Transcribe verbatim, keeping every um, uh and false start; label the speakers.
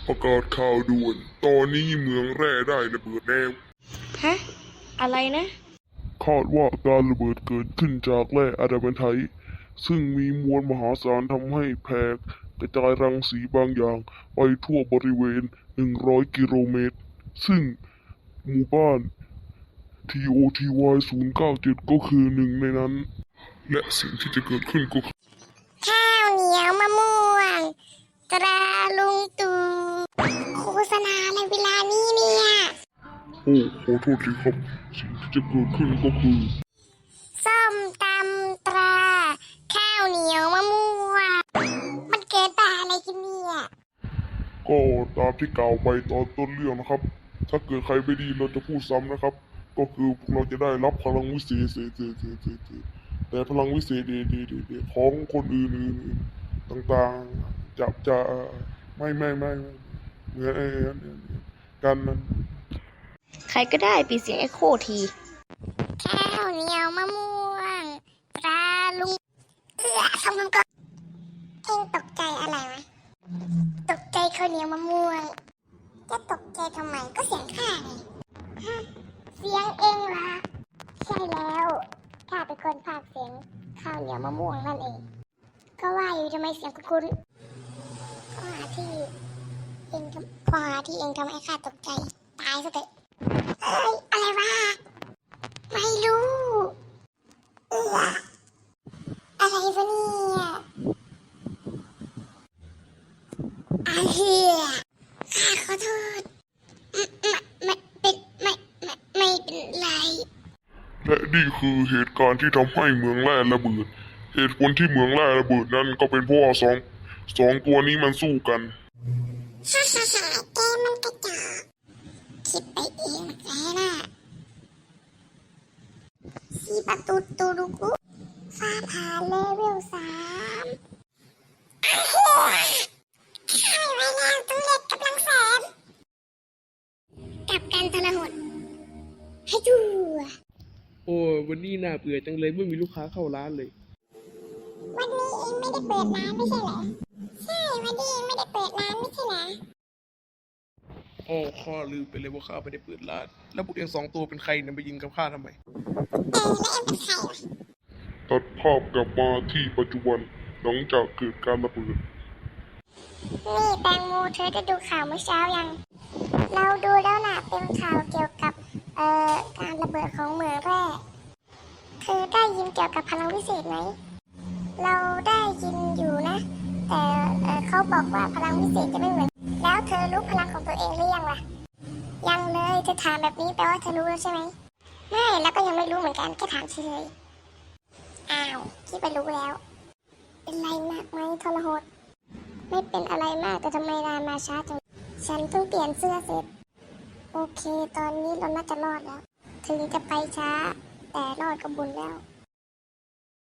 Speaker 1: ประกาศข่าวด่วน ตอนนี้เมืองแร่ได้ระเบิดแล้ว
Speaker 2: ฮะ อะไรนะ
Speaker 1: คาดว่าการระเบิดเกิดขึ้นจากแร่อะดามไทต์ซึ่งมีมวลมหาศาลทำให้แผ่กระจายรังสีบางอย่างไปทั่วบริเวณ หนึ่งร้อย กิโลเมตร ซึ่งหมู่บ้าน ที โอ ที วาย ศูนย์ เก้า เจ็ด ก็คือหนึ่งในนั้น และสิ่งที่จะเกิดขึ้นก็คือ
Speaker 3: ข้าวเหนียวมะม่วงตราลุงตู่โฆษณาในเวลานี้เนี่ย
Speaker 1: โอ้ขอโทษทีครับ สิ่งที่จะเกิดขึ้นก็คือ
Speaker 3: ส้มตำตรา ข้าวเหนียวมะม่วงมันเกิดป่าอะไรกันเนี่ย
Speaker 1: ก็ตามที่กล่าวไปตอนต้นเรื่องนะครับ ถ้าเกิดใครไม่ดีเราจะพูดซ้ำนะครับ ก็คือพวกเราจะได้รับพลังวิเศษเศษเศษเศษเศษเศษแต่พลังวิเศษเดเดเดเดของคนอื่นๆต่างๆจะจะไม่ไม่ไม่ไม่เหมือนไอ้กันนั้น
Speaker 2: ใครก็ได้ปิดเสียงเอ็โคที
Speaker 3: ข้าวเหนียวมะม่วงตราลุงเอื้อทำมันก็เองตกใจอะไรวะตกใจข้าวเหนียวมะม่วงจะตกใจทำไมก็เสียงข้าไงฮะเสียงเองเหรอใช่แล้วข้าเป็นคนพากย์เสียงข้าวเหนียวมะม่วงนั่นเอง ก็ว่าอยู่ทำไมเสียงคุ้นๆก็หาที่เองทำพอหาที่เองทำให้ข้าตกใจตายซะเถอะเอ้ยอะไรวะไม่รู้เอออะไรวะเนี่ยอาเฮียข้าขอโทษไม่ไม่เป็นไม่ไม่ไม่เป็นไร
Speaker 1: และนี่คือเหตุการณ์ที่ทำให้เมืองแร่ระเบิด เหตุผลที่เมืองแร่ระเบิดนั้นก็เป็นเพราะว่าสองสองตัวนี้มันสู้กัน
Speaker 3: ฮ่าฮ่าฮ่าแกมันกระจอกคิดไปเองแกน่ะสีประตูตูรุกุฟ้าผ่าเลเวลสามให้ไว้แล้วตู้เล็กกำลังแสนกับการทรหดให้ดู
Speaker 4: โอ้วันนี้น่าเบื่อจังเลยไม่มีลูกค้าเข้าร้านเลย
Speaker 3: วันนี้เองไม่ได้เปิดร้านไม่ใช่เหรอใช่วันนี้เองไม่ได้เปิดร้านไม่ใช่เหรอ
Speaker 4: อ๋อข้าลืมไปเลยว่าข้าไม่ได้เปิดร้าน แล้วพวกเองสองตัวเป็นใครเนี่ยมายิงกับข้าทำไม
Speaker 3: เออแล้วเองเป็นใครวะ
Speaker 1: ตัดภาพกลับมาที่ปัจจุบันหลังจากเกิดการระเบิด
Speaker 3: นี่แตงโมเธอได้ดูข่าวเมื่อเช้ายัง เราดูแล้วนะเป็นข่าวเกี่ยวกับเอ่อการระเบิดของเหมืองแร่เธอได้ยินเกี่ยวกับพลังวิเศษไหม เราได้ยินอยู่นะ แต่เอ่อเขาบอกว่าพลังวิเศษจะไม่เหมือน แล้วเธอรู้พลังของตัวเองหรือยังล่ะ ยังเลยเธอถามแบบนี้แปลว่าเธอรู้แล้วใช่ไหมไม่แล้วก็ยังไม่รู้เหมือนกันแค่ถามเฉยอ้าวคิดไปรู้แล้ว เป็นไรมากไหมทรหดไม่เป็นอะไรมากแต่ทำไมนานมาช้าจังฉันเพิ่งเปลี่ยนเสื้อเสร็จโอเคตอนนี้เราน่าจะรอดแล้ว ถึงจะไปช้า แต่รอดก็บุญแล้ว